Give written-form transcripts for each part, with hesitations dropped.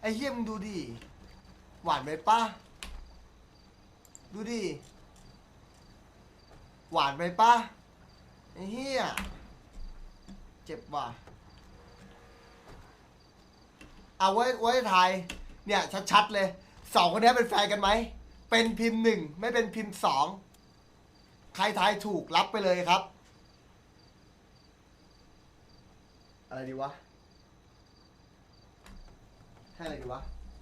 อ้เหี้ยมึงดูดิหวานไหมป้าดูดิหวานไหมป้าไอ้เหี้ยเจ็บว่ะเอาไว้ทายเนี่ยชัดๆเลยสองคนนี้เป็นแฟนกันไหมเป็นพิมพ์หนึ่งไม่เป็นพิมพ์สองใครทายถูกรับไปเลยครับอะไรดีวะให้อะไรดีวะ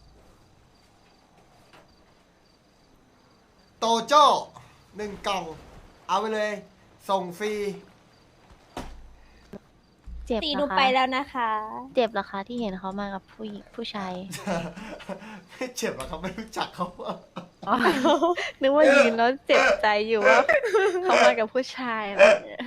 โตโจ้1 กล่องเอาไปเลยส่งฟรีเจ็บตีเหหรนูอคะไปแล้วนะคะเจ็บเหรอคะที่เห็นเขามากับผู้หญิงผู้ชายไม่เจ็บหรอกครับไม่รู้จักเขาอ๋อ นึกว่ายืนแล้วเจ็บใจอยู่ว่าเขามากับผู้ชายอะไรอย่างเงี้ย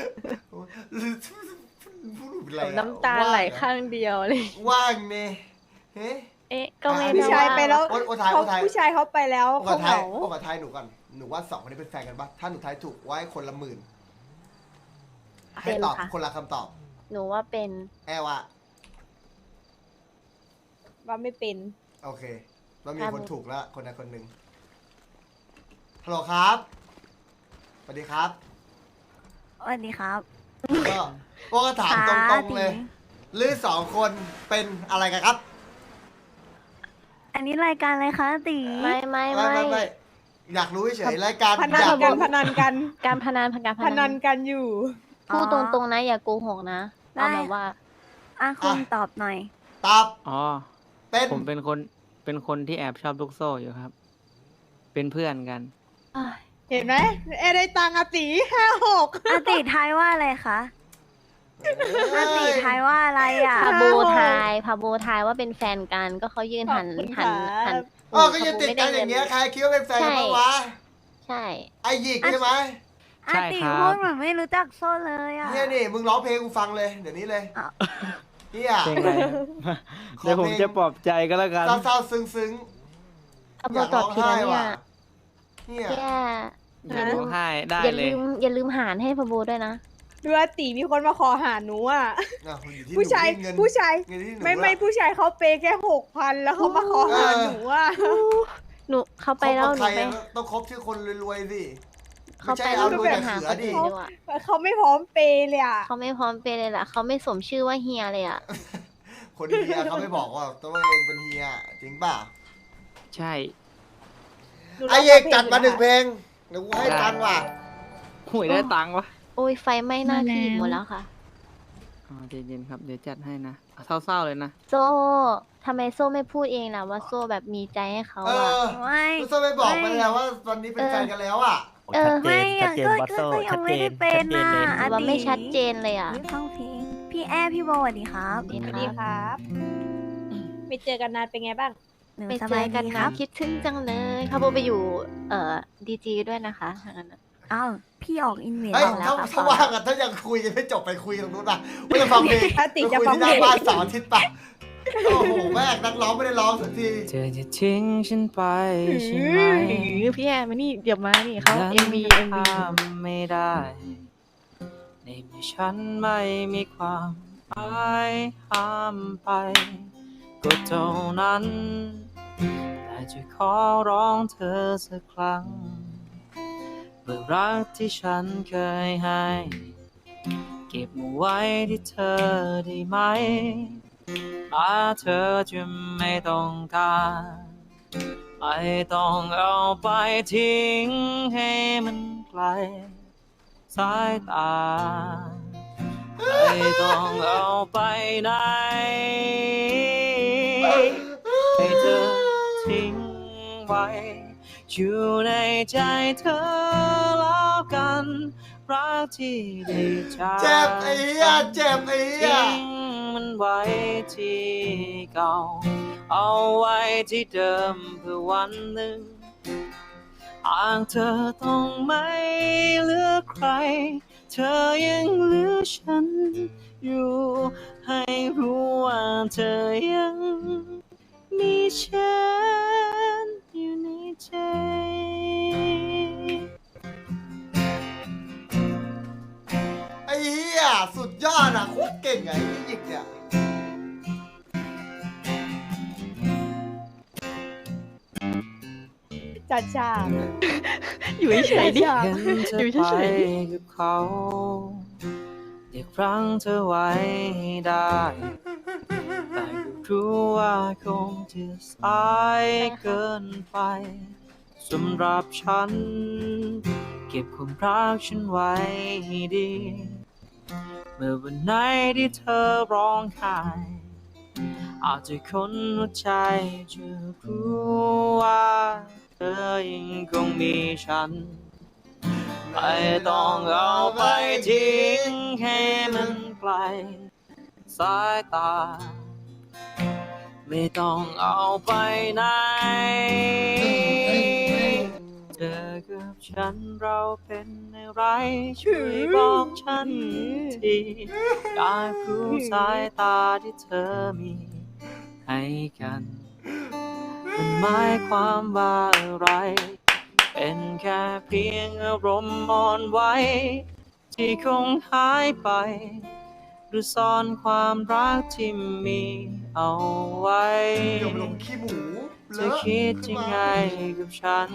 พูดอะไรอะน้ำตาไหลข้างเดียวเลยว่างเนี่ยเฮ้เอ๊ะก็ไม่อ่ะได้ผู้ชายไปแล้วโอ้ทายเขาโอ้ทายผู้ชายเขาไปแล้วโอ้เขาทายเหงาโอ้ทายหนูก่อนหนูว่าสองคนนี้เป็นแฟนกันปะถ้าหนูทายถูกไว้คนละ10,000ให้เป็นตอบค่ะคนละคำตอบหนูว่าเป็นแอลว่าว่าไม่เป็นโอเคเรามีครับคนถูกแล้วคนใดคนหนึ่งฮัลโหลครับสวัสดีครับสวัสดีครับก็ถามตรงๆเลยหรือสองคนเป็นอะไรกันครับอันนี้รายการอะไรคะตีไม่ไม่ไม่อยากรู้เฉยๆรายการพนัอน ยากกันรู้พนันกันการพนันการพนันกันอยู่พูดตรงๆนะอย่าโกหกนะเอาแบบว่าอ่ะคุณตอบหน่อยตอบอ๋อเป็นผมเป็นคนที่แอบชอบลูกโซ่อยู่ครับ เป็นเพื่อนกันเห็นไหมเอได้ตังค์อะตี56 อาติทายว่าอะไรคะอาติทายว่าอะไรอ่ะพาโบทายว่าเป็นแฟนกันก็เขายืนหันขอบคุณหันครับหันอ๋อก็ยังติดกันอย่างเงี้ยใครคิดว่าเป็นแฟนกันบ้างวะใช่ไอหยิกใช่ไหมอาใช่ติครับพูดเหมือนไม่รู้จักโซ่เลยอ่ะเนี่ยนี่มึงร้องเพลงกูฟังเลยเดี๋ยวนี้เลยอ้าวเนี่ยเพลงอะไรครับ เดี๋ยวผมจะปลอบใจก็แล้วกันเศร้าๆซึ้งพาๆโบอยากตร้อบองผิดไห้แล้วเนี่ว่ะยเนี่ยแย่อย่าร้องไห้ได้อย่าเลยลืมหารให้พาโบด้วยนะดูว่าตีมีคนมาขอหาหนูอ่ะอ่ะอยู่ที่ผู้ชายเงินผู้ชายเงินที่หนูไม่อะผู้ชายเขาเปย์แค่6,000แล้วเขามาขอหาหนูอ่ะหนูเขาไปแล้วคบหกับนูใครไปต้องคบชื่อคนรวยๆสิเขาไม่ไปใช่แล้เอาวหนูรวยไปแต่หาเสืคอน ดิอื่นดีกว่าเขาไม่พร้อมเปย์เลยอ่ะเขาไม่พร้อมไปเลยล่ะเขาไม่สมชื่อว่าเฮียเลยอ่ะคนเฮียเขาไม่บอกว่าตัวเองเป็นเฮียจริงป่ะใช่ไอเอกจัดมา1 เพลงเดี๋ยวกูให้ตังค์ว่ะหวยได้ตังค์วะโอ้ยไฟไหม้หน้าที่หมดแล้วค่ะอ๋อใจเย็นครับ เดี๋ยวจัดให้นะเอาเศร้าๆเลยนะโซ่ทำไมโซ่ไม่พูดเองล่ะว่าโซ่แบบมีใจให้เขาเออ่ะอไม่ก็ไม่บอกไปแล้วว่าตอนนี้เป็นแฟนกันแล้วอ่ะเออไม่ชัยัดงเจนก็บอสโซ่ก็ยัชังดไม่เจได้นเป็นชัดเจนนะเลยอาว่าติไม่ชัดเจนเลยอ่ะฟังเพลงพี่แอร์พี่โบสวัสดีครับดีสวัสคดีรับครับไม่เจอกันนานเป็นไงบ้างหนูไปสเจบายอกันดีคนะรับคิดถึงจังเลยพาโบไปอยู่ดีจีด้วยนะคะทางนั้นน่ะอ้าวพี่ออกอินเวสเฮ้ยแล้วถ้าครับถ้าว่างอะถ้ายังคุยกันไม่จบไปคุยตรงนู้นป่ะไม่จะฟังเพลงถ้าติดไปจะคุยฟังที่หเพลน้าง บ้านเสาร์อาทิตย์ป่ะโอ้โหแม่งนักร้องไม่ได้ร้องสักทีเธอจะทิ้งฉันไปใช่ไหมพี่แอร์มานี่เดี๋ยวมานี่เขา MV ห้ามไม่ได้ ในเมื่อฉันไม่มีความหมายห้ามไป ก็เท่านั้นแต่จะขอร้องเธอสักครั้งเมื่อรักที่ฉันเคยให้ เก็บมาไว้ที่เธอได้ไหมถ้าเธอจะไม่ต้องการไม่ต้องเอาไปทิ้งให้มันไกลสายตาไม่ต้องเอาไปไหนให้เธอทิ้งไว้อยู่ในใจเธอแล้วกันรักที่ได้จากเจ็บไอ้เหี้ยเจ็บไอ้เหี้ยทิ้งมันไว้ที่เก่าเอาไว้ที่เดิมเพื่อวันหนึ่งหากเธอต้องไม่เหลือใครเธอยังเหลือฉันอยู่ให้รู้ว่าเธอยังมีฉันอยู่ในใจไอ้เหี้ยสุดยอดอ่ะโคตรเก่งไงไอ้หยิกเนี่ยจัดฉากอยู่เฉยๆดิจัดฉากเห็นเธออยู่ไปเฉยกับเขาอยากรั้งเธอไว้ให้ได้ แต่ก็รู้ว่าคงจะสายเกินไปสำหรับฉัน เก็บความรักฉันไว้ให้ดี เมื่อวันไหนที่เธอร้องไห้อาจจะคนหัวใจจะรู้ว่าเธอยังคงมีฉัน ไม่ต้องเอาไปทิ้งให้มันไกลสายตา ไม่ต้องเอาไปไหน เธอกับฉันเราเป็นอะไรช่วยบอกฉันทีอยากรู้สายตาที่เธอมีให้กัน มันหมายความว่าอะไร เป็นแค่เพียงอารมณ์อ่อนไหวที่คงหายไป หรือซ่อนความรักที่มีเอาไว้เดี๋ยวมันลงขี้หมูเธอคิดยังไงกับฉัน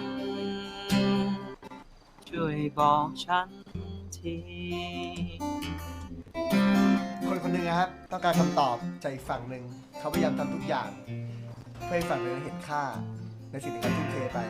ช่วยบอกฉันทีคนคนหนึ่งนะครับ ต้องการคำตอบจากอีกฝั่งหนึ่งเขาพยายามทำทุกอย่าง เพื่อให้ฝั่งหนึ่งเห็นค่า ในสิ่งที่เขาทุ่มเทไป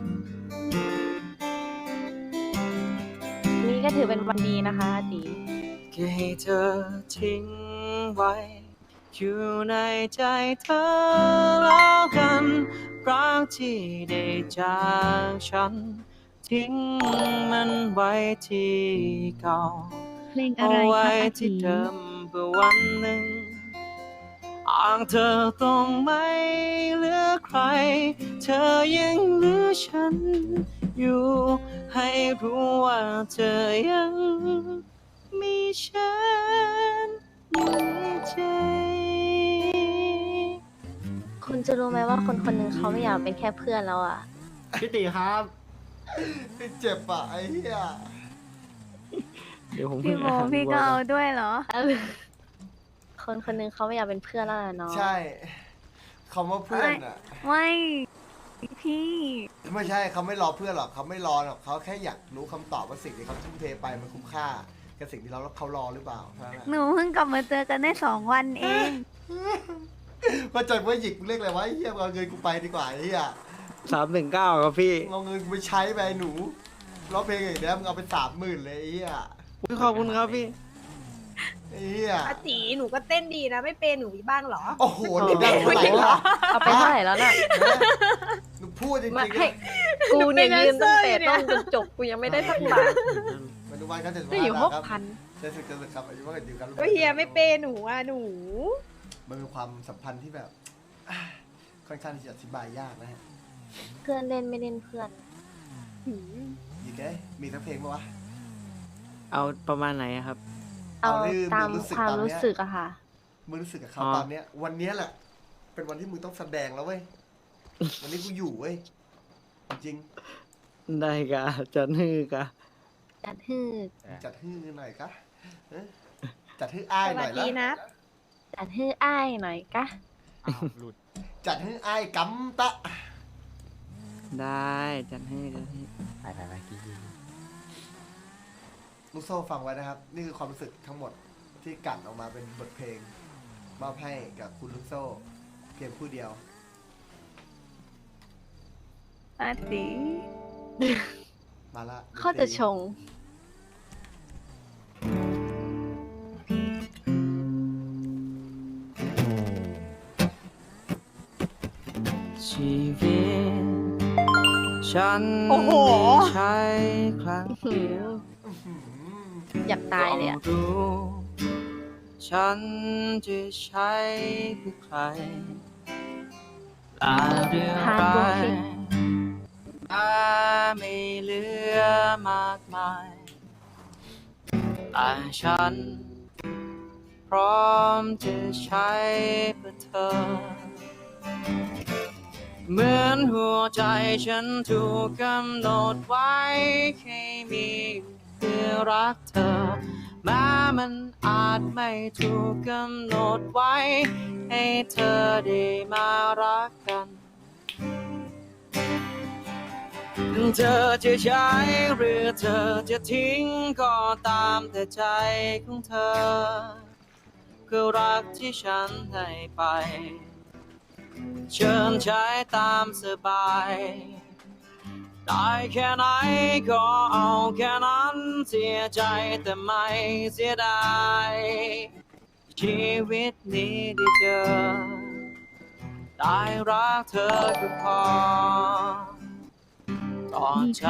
นี่ก็ถือเป็นวันดีนะคะอาตีแค่ให้เธอทิ้งไว้ อยู่ในใจเธอแล้วกัน รักที่ได้จากฉัน ทิ้งมันไว้ที่เก่าเพลงอะเอาไรคไว้รับอาที่ตีเดิมเพื่อวันหนึ่งอ่างเธอต้องไม่เหลือใคร เธอยังเหลือฉันอยู่ ให้รู้ว่าเธอยังมีฉันอยู่ในใจคุณจะรู้ไหมว่าคนคนหนึ่งเขาไม่อยากเป็นแค่เพื่อนแล้วอ่ะพี่ติครับเจ็บอ่ะไอ้เหี้ยเดี๋ยวผมพี่โมพี่ก็เอาด้วยเหรอคนคนหนึ่งเขาไม่อยากเป็นเพื่อนแล้วล่ะเนาะใช่คำว่าเพื่อนอ่ะไม่พี่ไม่ใช่เขาไม่รอเพื่อนหรอกเขาไม่รอหรอกเขาแค่อยากรู้คำตอบว่าสิ่งที่เขาทุ่มเทไปมันคุ้มค่ากับสิ่งที่เขารอหรือเปล่าเท่านั้นแหละหนูเพิ่งกลับมาเจอกันได้2 วันเองว่าใจว่าหยิกเรียกอะไรวะไอ้เหี้ยเอาเงินกูไปดีกว่าไอ้เหี้ย 319ครับพี่เอาเงินกูไปใช้ไปไอ้หนูร้องเพลงอย่างเดียวมึงเอาไป30,000เลยไอ้เหี้ยขอบคุณครับพี่ไอ้เหี้ยอาตีหนูก็เต้นดีนะ ไม่เป็นหนูมีบ้างเหรอโอ้โหนี่ได้เท่าไหร่ล่ะเอาไปเท่าไหร่แล้วน่ะหนูพูดจริงมาๆให้นะกูเนี่ยเป็นยืนตั้งแต่แดนเซอร์อยู่เนี่ยต้นจนจบกูยังไม่ได้สักบาทมาดูวันกันจะก็อยู่ครับ 6,000 จะสึกครับอายุว่ากันอยู่กันก็เฮียไม่เป็นหนูอ่ะหนูมันเป็นความสัมพันธ์ที่แบบค่อนข้างที่จะอธิบายยากนะฮะเพื่อนเล่นไม่เล่นเพื่อนยิงได้มีทั้งเพลงปะวะเอาประมาณไหนอะครับเอาเอาที่ตามมึงรู้สึกความตอนเนี้ยรู้สึกอะค่ะมึงรู้สึกกับเขาอ๋อตอนเนี้ย วันเนี้ยแหละ เป็นวันที่มึงต้องแสดงแล้วเว้ย วันนี้กูอยู่เว้ย จริงได้กะจะนือกะจัดฮือๆจัดฮื้อหน่อยกะเอ๊ะจัดฮื้ออ้ายสหน่วัอสยดีละนะจัดฮืออ้ายหน่อยกะจัดฮื้ออ้ายกำตะได้จัดให้จัดให้ลูกโซ่ฟังไว้นะครับ นี่คือความรู้สึกทั้งหมดที่กลั่นออกมาเป็นบทเพลงมอบให้กับคุณลูกโซ่ เพียงผู้เดียวอาตีมาละเขาจะชงชีวิตฉันโอ้โหไม่ใช่ครั้งเดียวอื้อหืออยากตายเลยอะต้องรู้ฉันจะใช้เพื่อใครและเรื่องฮาร์ดร้าเวิร์ยกมาไม่เหลือมากมายแต่ฉัน พร้อมจะใช้เพื่อเธอ เหมือนหัวใจฉันถูกกำหนดไว้ให้มีเพื่อรักเธอ แม้มันอาจไม่ถูกกำหนดไว้ ให้เธอได้มารักกันเธอจะใช้หรือเธอจะทิ้งก็ตามแต่ใจของเธอคือรักที่ฉันให้ไปเชิญใช้ตามสบายได้แค่ไหนก็เอาแค่นั้นเสียใจแต่ไม่เสียดายชีวิตนี้ได้เจอได้รักเธอก็พอต่อใจ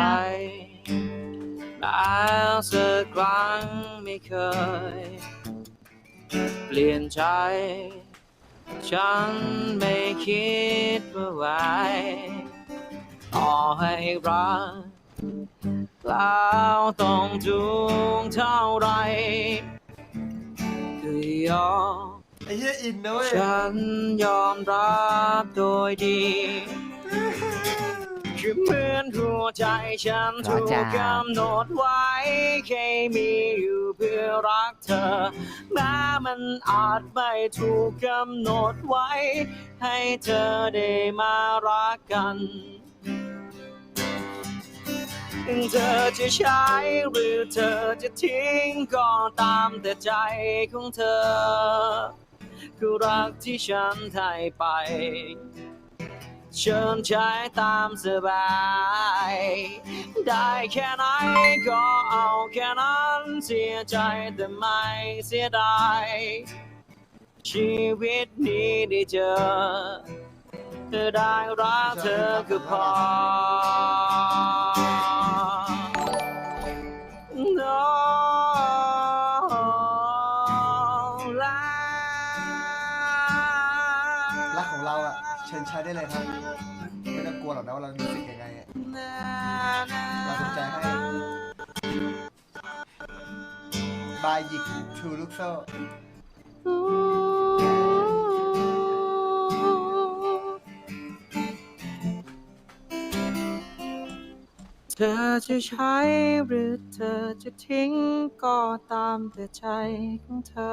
แล้วสักครั้งไม่เคยเปลี่ยนใจฉันไม่คิดว่าไหวต่อให้รักแล้วต้องทุกข์เท่าไรคือยอมไอ้เหี้ยอินนะเว้ยฉันยอมรับโดยดีคือเหมือนหัวใจฉันถูกกำหนดไว้แค่มีอยู่เพื่อรักเธอแม้มันอาจไม่ถูกกำหนดไว้ให้เธอได้มารักกันเธอจะใช้หรือเธอจะทิ้งก็ตามแต่ใจของเธอคือรักที่ฉันให้ไปเชิญใช้ตามสบายได้แค่ไหนก็เอาแค่นั้นเสียใจแต่ไม่เสียดายชีวิตนี้ได้เจอเธอได้รักเธอก็พอรักของเราอ่ะเชิญใช้ได้เลยครับไม่ต้องกลัวหรอกนะว่าเรารู้สึกยังไงอะเราสนใจให้บายหยิกชูลูกโซ่เธอจะใช้หรือเธอจะทิ้งก็ตามแต่ใจของเธอ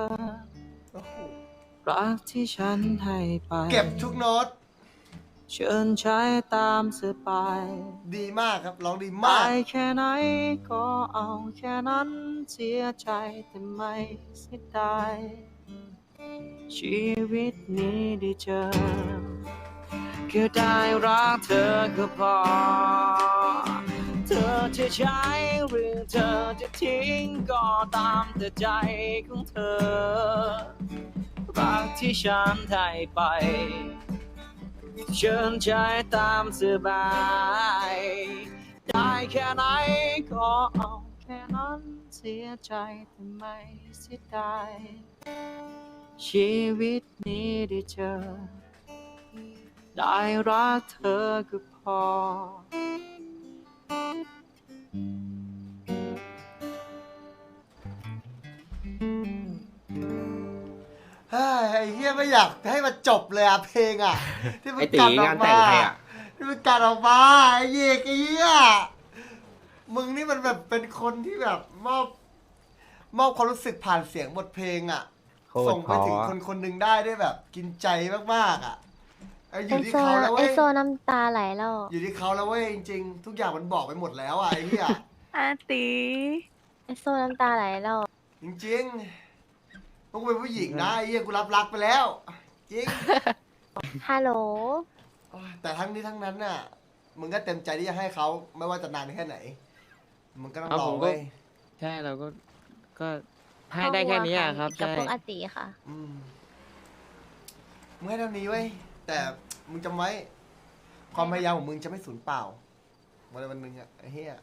รักที่ฉันให้ไปเก็บทุกโน้ตเชิญใช้ตามสบายดีมากครับร้องดีมาได้กแค่ไหนก็เอาแค่นั้นเสียใจแต่ไม่เสียดายชีวิตนี้ได้เจอคือได้รักเธอก็พอเธอจะใช้หรือเธอจะทิ้งก็ตามแต่ใจของเธอรักที่ฉันให้ไปเชิญใช้ตามสบายได้แค่ไหนก็เอาแค่นั้นเสียใจแต่ไม่เสียดายชีวิตนี้ได้เจอได้รักเธอก็พอเฮ้ยไอ้เฮียไม่อยากให้มันจบเลยอะเพลงอะที่มันไอ้ตีกัดออกงานแต่มางใครอะที่มันกัดออกมาไอ้เหี้ยไอ้เหี้ยมึงนี่มันแบบเป็นคนที่แบบมอบความรู้สึกผ่านเสียงบทเพลงอะโคตรส่งไปถึงเพราะคนคนหนึ่งได้ด้วยแบบกินใจมากๆอะอไอยู่ที่โซเขาแล้วไอเว้ยโซน้ำตาไหลแล้วอยู่ที่เขาแล้วเว้ยจริงๆทุกอย่างมันบอกไปหมดแล้วอะไอ้เหี้ยอาตีไอโซน้ำตาไหลแล้วจริงๆพวกกูเป็นผู้หญิงนะไอ้เหี้ยกูรับรักไปแล้วจริงฮัลโหลโอ้ยแต่ทั้งนี้ทั้งนั้นน่ะ มึงก็เต็มใจที่จะให้เขาไม่ว่าจะนานแค่ไหน มึงก็ต้องรอเว้ยใช่เราก็ให้ได้แค่นี้อะครับกับใช่พวกอาติค่ะมึงให้เท่านี้เว้ย แต่มึงจำไว้ ความพยายามของมึงจะไม่สูญเปล่าวันหนึ่งอะไอ้เหี้ย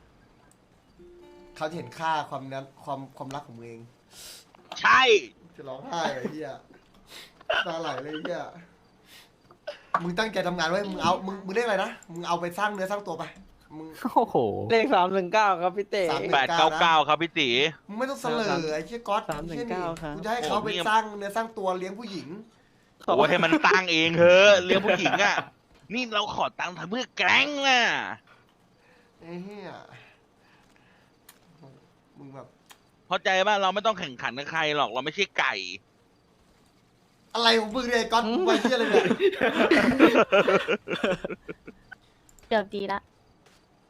เขาจะเห็นค่าความรักของมึงเองใช่จะร้องไห้เลยไอ้เหี้ยตาไหลเลยไอ้เหี้ยมึงตั้งใจทำงานไว้มึงเรียกอะไรนะ มึงเอาไปสร้างเนื้อสร้างตัวไป มึงโอ้โหเลข319ครับพี่เต๋ 899ครับพี่ตีมึงไม่ต้องเสลอไอ้เชี่ยก๊อต 319ครับกูจะให้เขาไปสร้างเนื้อสร้างตัวเลี้ยงผู้หญิงโอ้ให้มันตั้งเองเถอะเรื่องผู้หญิงอ่ะ นี่เราขอตังค์ทำเพื่อแกล้งน่ะไอ้เหี้ยมึงแบบเข้าใจป่ะเราไม่ต้องแข่งขันกับใครหรอกเราไม่ใช่ไก่อะไรของมึงเนี่ยไอ้ก๊อตมึงไปเชี่ยอะไรเนี่ยเกือบดีละ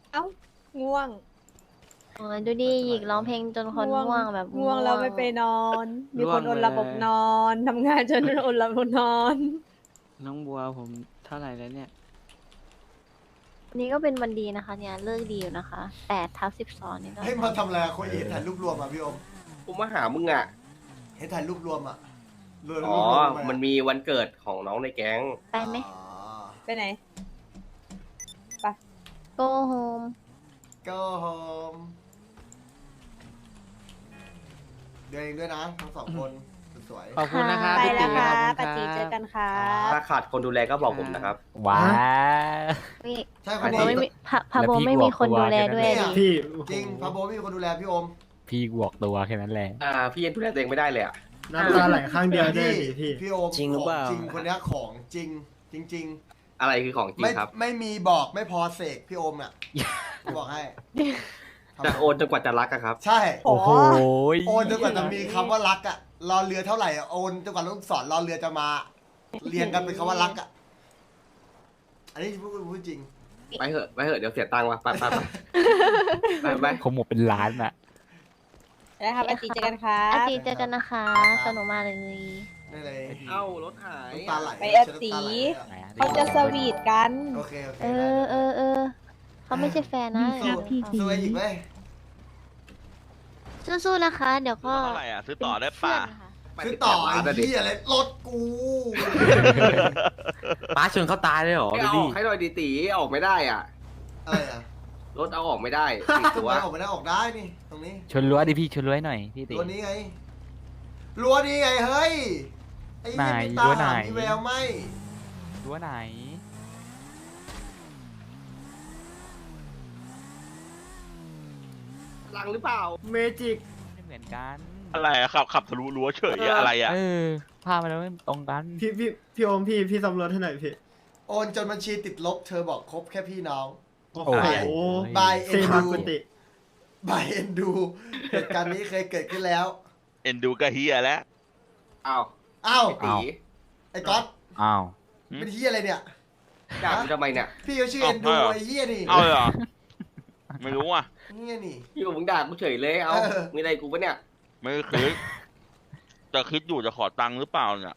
เอ้าง่วงโอ้ยดูดิหยิกร้องเพลงจนคนง่วงแบบง่วงแล้วไม่ไปนอน มีคนง่อวงดเลยระบบนอนทำงานจนอดระบบนอนน้องบัวผมเท่าไหร่แล้วเนี่ยวันนี้ก็เป็นวันดีนะคะ เนี่ยเลิกดีอยู่นะคะ8/12นี่ก็ให้มาทำอะไรอะคนเห็นถ่ายรูปรวมอ่ะพี่อมกูมาหามึงอ่ะเห็นถ่ายรูปรวมอ่ะรวมอ๋อรูปรวทำไมันมีวันเกิดของน้องในแก๊งไปไหมอ๋อไปไหน go home go home เดินเองด้วยนะทั้งสองคนสวยขอบคุณนะครับไปพี่แล้วตีค่ะขอบปาคุณจีคเจรัอบ กันค่ะถ้าขาดคนดูแลก็บอกผมนะครับว้านี่ใช่คพาน โบนี้ไม่มีพาโบแล้วพี่ไม่มีคนกลัวดูแลแค่นั้นด้วยเนี่ยดิพี่จริงพาโบไม่มีคนดูแลพี่อมพี่บวกตัวแค่นั้นแหละพี่ยังดูแลตัวเองไม่ได้เลยอ่ะน้ำตาไหลข้างเดียวพี่โอมจริงหรือเปล่าขจริงคนเนี้ยของจริง จริงอะไรคือของๆจริงไม่ครับไม่มีบอกไม่พอเสกพี่โอมอ่ะบอกให้จะโอนจนกว่าจะรักอะครับใช่โอ้โอ้โหโหโอนจนกว่าจะมีคำว่ารักอ่ะรอเรือเท่าไหร่อะโอนจนกว่าลูกศรรอเรือจะมา เรียงกันเป็นคำว่ารักอ่ะอันนี้พูดจริงไปเหอะเดี๋ยวเสียตังค์ว่ะไปเขาหมดเป็นล้านอะไปแล้วค่ะปาจีเจอกันค่ะอาทิตย์เจอกันนะคะ สนุกมากเลยได้เลยเอ้ารถหายน้ำตาไหลไปอาตีน้ำตาไหลอะเขาจะสวีทกันโอเคโอเคเออเขาไม่ใช่แฟนนะสู้ไอ้หญิงไหมสู้ๆนะคะ เดี๋ยวก็เท่าไหร่อ่ะซื้อต่อได้ป่ะคือต่อไอ้ที่อะไรรถกูป้าชนเขาตายเลยเหรอไม่ดูเอาดิออกให้หน่อยดีตีออกไม่ได้อ่ะอะไรอ่ะรถเอาออกไม่ได้ติดตัวออกไม่ได้ออกได้นี่ตรงนี้ชนรั้วดิพี่ชนรั้วให้หน่อยพี่ตีรั้วนี้ไงรั้วนี้ไงเฮ้ยไอ้เนี่ยไหนมีตารั้วไหนหามีแววไหมรั้วไหนลังหรือเปล่าเมจิกไม่เหมือนกันอะไรอะขับทะลุรั้วเฉยอะอะไรอะเออภาพมันไม่ตรงกันพี่โอมพี่สำรวจให้หน่อยพี่โอนจนบัญชีติดลบเธอบอกคบแค่พี่น้องโอ้โอ้โหบายเอ็นดูบายเอ็นดูเหตุการณ์นี้เคยเกิดขึ้นแล้วเอ็นดูกะเฮียแล้วอ้าวอ้าวตีไอ้ก๊อตอ้าวเป็นเฮียอะไรเนี่ยด่ากูทำไมเนี่ยพี่เขาชื่อเอ็นดูไอ้เฮียนี่เอาเลยเหรอ ไม่รู้อ่ะเฮียนี่พี่กับมึงด่ากูเฉยเลยเอาเออมีอะไรกูปะเนี่ยไม่คิดจะคิดอยู่จะขอตังค์หรือเปล่าเนี่ย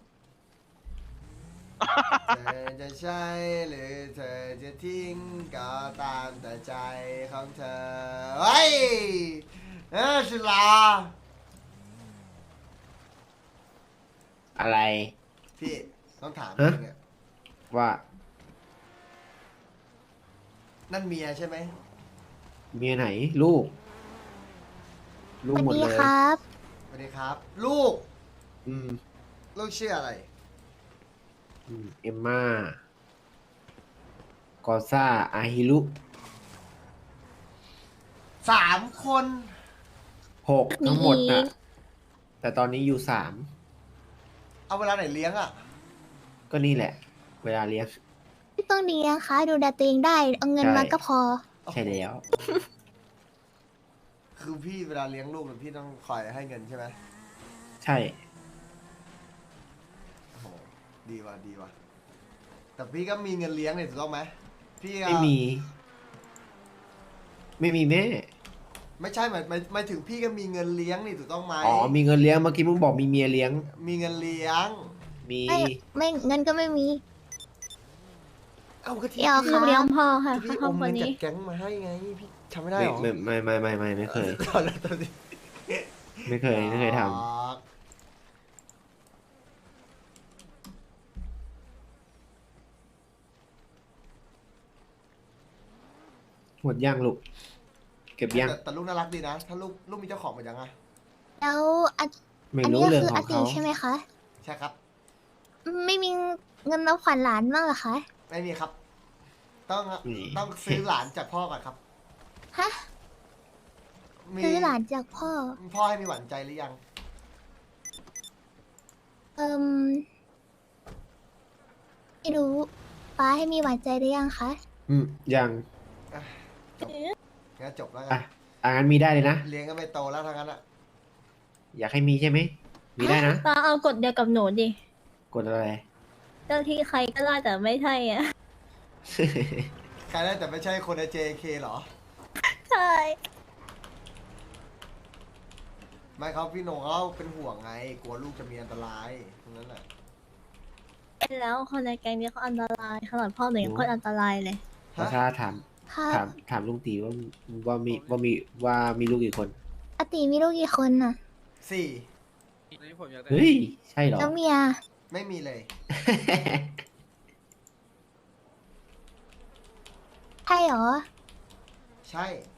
เธอจะใช่หรือเธอจะทิ้งก็ตามแต่ใจของเธอเฮ้ยศิลาอะไรพี่ต้องถามฮะจริงอะว่านั่นเมียใช่ไหมเมียไหนลูก ลูกหมดเลยสวัสดีครับ ลูกอืมลูกชื่ออะไรเอมม่ากอซ่าอาฮิรุ 3 คน 6ทั้งหมดน่ะ แต่ตอนนี้อยู่3 เอาเวลาไหนเลี้ยงอ่ะก็นี่แหละ เวลาเลี้ยงไม่ต้องเลี้ยงค่ะดูแลตัวเองได้ เอาเงินมาก็พอใช่แล้วคือพี่เวลาเลี้ยงลูกเนี่ยพี่ต้องคอยให้เงินใช่ไหมใช่โอ้โหดีว่ะดีว่ะแต่พี่ก็มีเงินเลี้ยงเนี่ยถูกต้องไหมพี่ก็ไม่มี ไม่มีแม่ไม่ใช่หมายถึงพี่ก็มีเงินเลี้ยงนี่ถูกต้องไหมอ๋อ มีเงินเลี้ยง เมื่อกี้มึงบอกมีเมียเลี้ยงมีเงินเลี้ยงมีไม่เงินก็ไม่มีเอาก็ที่เดี๋ยวพี่ค่ะเลี้ยงพ่อค่ะที่พี่ครออบมครัวเงินนี้จากแก๊งมาให้ไงพี่ทำไม่ได้ไม่หรอไม่เคยตอนนั้นตอนนี้ไม่เคยทอ๋อำหมดย่างลูก เก็บย่างแต่ลูกน่ารักดีนะ ถ้าลูกมีเจ้าของหมดยังอ่ะแล้วอันไม่อันรู้นี้ก็เรื่องคือขอองติเขาใช่ไหมคะใช่ครับไม่มีเงินรับขวัญหลานบ้างเหรอคะไม่มีครับ ต้องนี่ต้องซื้อหลานจากพ่อก่อนครับฮะมีซื้อหลานจากพ่อพ่อให้มีหวานใจหรือยังเอิมไม่รู้ป้าให้มีหวานใจหรือยังคะยังงั้นจบแล้วกัอ่ะนงั้นมีได้เลยนะเลี้ยงก็ไม่โตแล้วทั้งนั้นอ่ะอยากให้มีใช่ไหม มีได้นะป้าเอากฎเดียวกับหนูดิกดอะไรเจ้าที่ใครก็ได้แต่ไม่ใช่อ่ะใครได้แต่ไม่ใช่คนใน JK เหรอไม่เขาพี่โหนงเขาเป็นห่วงไง กลัวลูกจะมีอันตรายตรงนั้นแหละแล้วคนในแก๊งนี้เขาอันตรายขนาดพ่อหนูยังโคตรอันตรายเลยประชาถามค่ะถามลุงตีว่ามีลูกกี่คนอาติมีลูกกี่คนน่ะสี่เฮ้ย ใช่เหรอแล้วเมียไม่มีเลยใช่เหรอใช่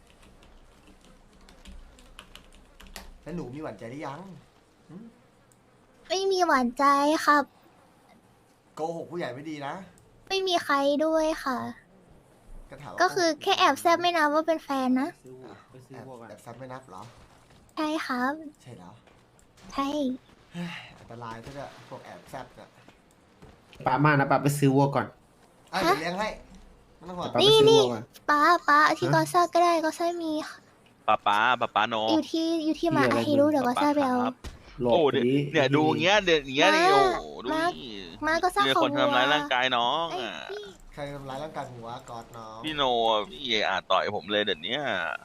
แล้วหนูมีหวานใจหรือยังไม่มีหวานใจครับโกหกผู้ใหญ่ไม่ดีนะไม่มีใครด้วยค่ะก็ถามว่าก็คือแค่แอบแซบไม่นับว่าเป็นแฟนนะไปซื้อแอบวัวกันแอบซับไม่นับเหรอใช่ครับใช่แล้วใช่เฮ้ยอันตรายซะด้วยพวกแอบแซบเนี่ยป้ามานะป้าไปซื้อวัวก่อนอ่ะเดี๋ยวเลี้ยงให้ไม่ต้องห่วงป้าไปซื้อวัวก่อนป้าที่กอซ่าก็ได้กอซ่ามีค่ะป้าโนอยู่ที่มามีอะไรให้รู้เดี๋ยวกอซ่าไปเอาครับหลบโอ้ไปดิเนี่ยดูอย่างเงี้ยเดี๋ยวอย่างเงี้ยนี่โอ้ดูมานี่มาก็สร้างมีของคนทำร้ายร่างกายน้องไอ้อ่ะพี่ใครทำร้ายร่างกายหัวกอดน้องพี่โนพี่ต่อยผมเลยเดี๋ยวนี้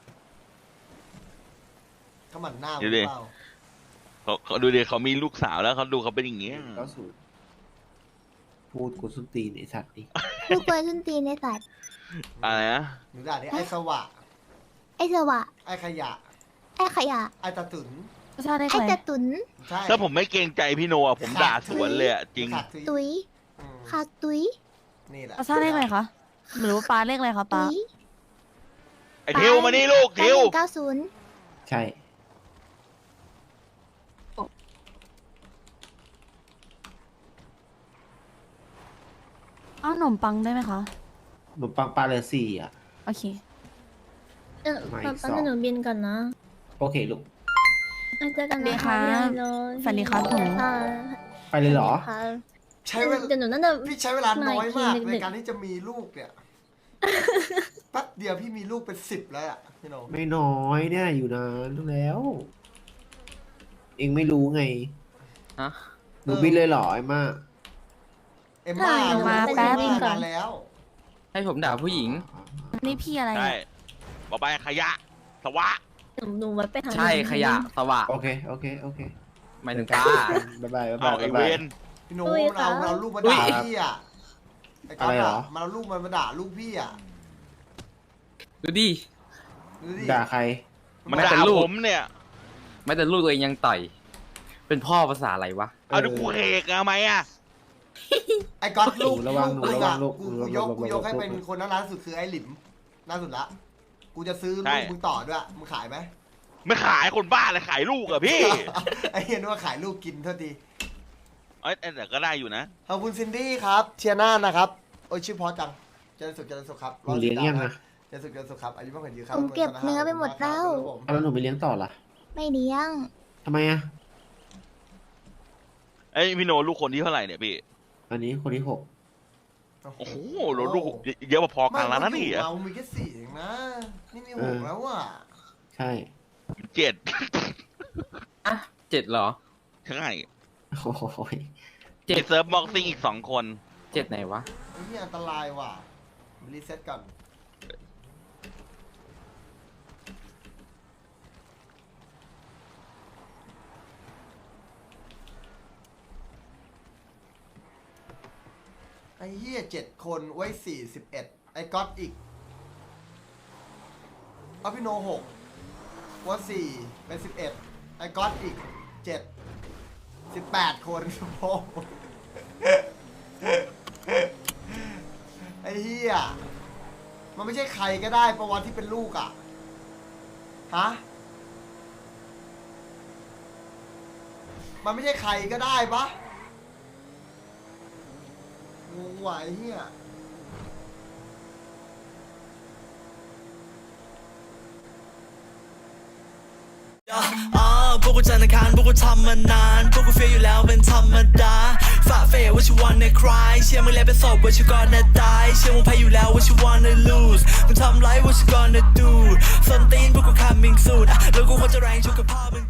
เขาหมั่นหน้าเดี๋ยวดิหรือเปล่าเขาดูดิเขามีลูกสาวแล้วเขาดูเขาเป็นอย่างเงี้ยเข้าสู่พูดกูส้นตีนไอสัตว์นี่ลูกเปิดส้นตีนในสัตว์อะไรนะหนูด่าดิไอ้สวะไอ้สวะไอ้ขยะไอ้ขยะไอ้ตะตุนไอ้ตะตุนใช่ถ้าผมไม่เกรงใจพี่โนอ่ะผมด่าสวนเลยอ่ะจริงขาดทุยตุยอืมคาตุยนี่แหละป้าซ่าเลขอะไรคะหรือว่าป้าเลขอะไรคะตุป้ายไอ้ทิวมานี่ลูกทิว 9190 ใช่เอาขนมปังได้ไหมคะขนมปังปลาเลอสี่อ่ะโอเคไม่ตอนสองหนูบินก่อนนะโอเคลูกเจอกันสวัสดีนะครัคะบพี่ไอโรสวัสดีครับผมค่ะไปเลยเหรอค่ะใช้เวลาเดี๋ยวหนูน่าจะพี่ใช้เวลาน้อยมากไม่ในเด็กๆการที่จะมีลูกเนี่ยแป๊บเดียวพี่มีลูกเป็น10แล้วอ่ะพี่โนไม่น้อยเนี่ยอยู่นานแล้ว เองไม่รู้ไงฮะหนูบินเลยเหรอไอ้มาเอ็มม่าเอ็มม่าแป๊บเอ็มม่านานแล้วให้ผมด่าผู้หญิงนี่พี่อะไรใช่อะบอกไปขยะสวะหนูไว้ไปทางใช่ขยะสวะโอเคโอเคโอเคหมายถึงป้าบ๊ายบายบ๊ายเอาบายไอ้บ๊ายเวบายนพี่โนมันเอาลูกมาด่าพี่อ่ะไอ้ก๊อตอะไรเหรอ่ะอมันเอาลูกมันมาด่าลูกพี่อ่ะดูดิดูดิด่าใครมันไม่แต่ด่าลูกผมเนี่ยไม่แต่ลูกตัวเองยังต่อย เป็นพ่อภาษาอะไรวะเอาดูกูเฮกทำไมอ่ะไอ้ก๊อตลูกหนูระวังหนูระวังลูกกูหนูระวังกูยกให้ลูกเป็นคนน่ารักสุดคือไอ้หลิมน่าสุดละกูจะซื้อใช่ลูกมึงต่อด้วยมึงขายไหมไม่ขายคนบ้าเลยขายลูกอะพี่ไอ้เหี้ยนึกว่าขายลูกกินเท่าทีเอ้ยแต่ก็ได้อยู่นะขอบคุณซินดี้ครับเชียร์หน้านะครับ โอ้ยชื่อเพอจังเจริญสุขเจริญสุขครับหนูเลี้ยงยังนะเจริญสุขเจริญสุขครับอายุมากกว่ายืนครับผมเก็บเนื้อไปหมดแล้วครับผมแล้วหนูไปเลี้ยงต่อล่ะไม่เลี้ยงทำไมอ่ะไอ้ยพี่โนลูกคนที่เท่าไหร่เนี่ยพี่อันนี้คนที่โอ้โหลูกเยอะพอๆกันแล้วนะนี่เรามีแค่4เองนะ นี่มี6แล้วอ่ะ 6 ใช่ 7 อ่ะ7เหรอใช่โอ้โหเจ็ดเซิร์ฟบ็อกซิ่งอีก2 คน 7ไหนวะไอ้นี่อันตรายว่ะรีเซ็ตก่อนไอ้เหี้ย7 คนไว้41ไอ้ก๊อตอีกเอาพี่โน6ว่า4เป็น11ไอ้ก๊อตอีก7 18 คนโอ้โหไอ้เหี้ยมันไม่ใช่ใครก็ได้ประวัติที่เป็นลูกอ่ะฮะมันไม่ใช่ใครก็ได้ปะงงว่ะไอ้เหี้ยพวกกูจันทร์อังคารพวกกูทำมานานพวกกูเฟียอยู่แล้วเป็นธรรมดาฝ่าเฟย what you wanna cry เชื่อมึงแล้วเป็นศพ what you gonna die เชื่อมึงแพ้อยู่แล้ว what you wanna lose มึงทำไร what you gonna do ส้นตีนพวกกู coming soon แล้วกูควรจะแรงชุกกับพ่อมึง